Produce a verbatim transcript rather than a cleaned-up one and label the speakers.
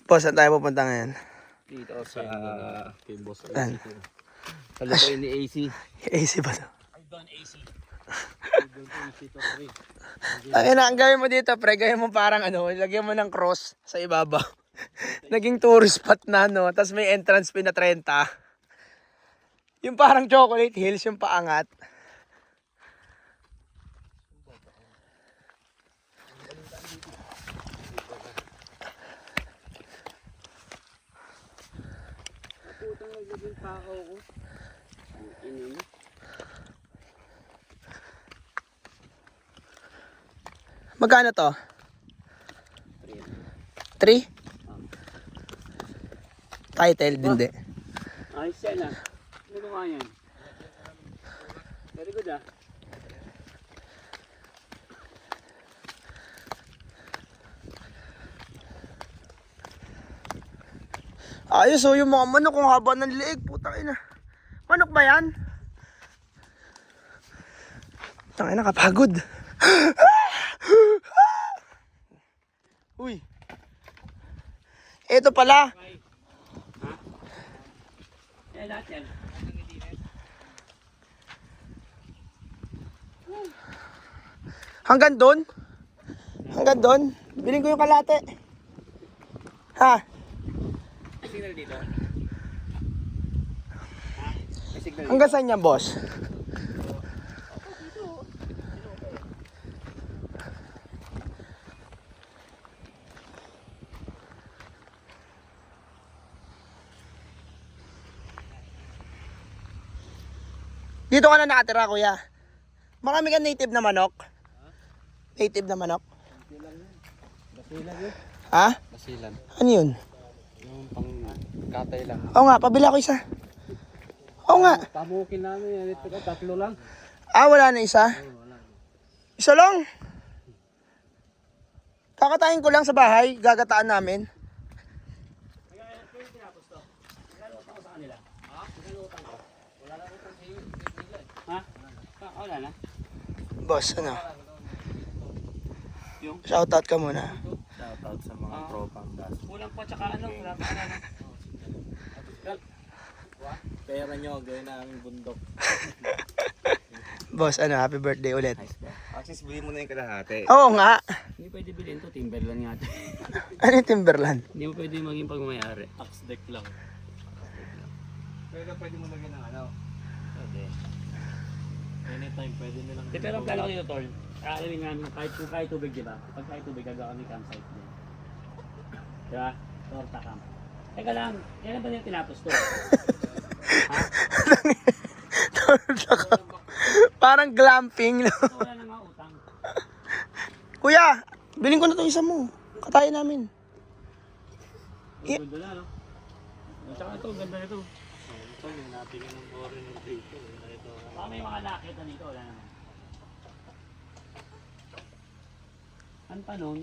Speaker 1: Boss, saan tayo pupunta ngayon?
Speaker 2: Dito sa kay Boss A
Speaker 1: Saan?
Speaker 2: C. Sa lupain ni A C.
Speaker 1: A C ba to?
Speaker 2: I've done A C. I've done A C to pre.
Speaker 1: Ang ina, ang gawin mo dito, pre, gawin mo parang ano, lagyan mo ng cross sa ibabaw. Naging tourist spot na, no? Tapos may entrance fee na thirty. Yung parang Chocolate Hills, yung paangat.
Speaker 2: Putang naglaging tao ko. Ina mo.
Speaker 1: Magkano to? three? Title, hindi.
Speaker 2: Ayos yan ah. Ano ko nga yan? Very good ah.
Speaker 1: Ayos, oh, yung mga manok kung haba ng liig, putang ina. Manok ba yan? Putang ina, kapagod. Uy. Ito pala.
Speaker 2: Ha? Eh, lahat yan.
Speaker 1: Hanggang doon? Hanggang doon? Biling ko yung kalate. Ha?
Speaker 2: May signal dito? Ha? May signal dito?
Speaker 1: Hanggang saan yan, boss? Dito ka na nakatira, kuya. Marami ka native na manok? Native na manok?
Speaker 2: Basilan yun.
Speaker 1: Ha?
Speaker 2: Basilan.
Speaker 1: Ano yun?
Speaker 2: Yung pang katay lang.
Speaker 1: Oo nga, pabila ko isa. Oo nga.
Speaker 2: Pamukin namin yan. Ito ka, tatlo lang.
Speaker 1: Ah, wala na isa?
Speaker 2: Oo, wala.
Speaker 1: Isa lang. Kakatayin ko lang sa bahay, gagataan namin.
Speaker 2: Ha? Ah, wala na.
Speaker 1: Boss, ano?
Speaker 2: Yung?
Speaker 1: Shoutout ka muna.
Speaker 2: Shoutout sa mga uh, tropang gas. Kulang pa tsaka ano, wala pa na. Pera nyo, gawin namin bundok.
Speaker 1: Boss, ano, happy birthday ulit.
Speaker 3: Access, bilhin mo na yung kalahati.
Speaker 1: Oo nga.
Speaker 2: Hindi pwede bilhin to, Timberland nga ito.
Speaker 1: Ano yung Timberland?
Speaker 2: Hindi mo pwede maging pagmamayari. Axe deck lang.
Speaker 3: Pero pwede mo lagyan ng ano.
Speaker 2: Pwede.
Speaker 3: Anytime, pwede nilang...
Speaker 2: Di, pero ang plano ko dito, Tol, aalamin namin kahit kung kahit tubig, di ba? Pag kahit tubig, gagawa kami campsite din. Di ba? Torta camp. Teka lang, kailan ba nila tinapos to? Ha?
Speaker 1: Parang glamping, no?
Speaker 2: So, wala na nga utang.
Speaker 1: Kuya, bilhin ko na itong isa mo. Katayin namin.
Speaker 2: Ang ganda na, no? At saka ito, ang ganda nito. Ito, yung natingin ng bore ng dito. Baka may mga nakita nito, wala naman. Ano pa nun?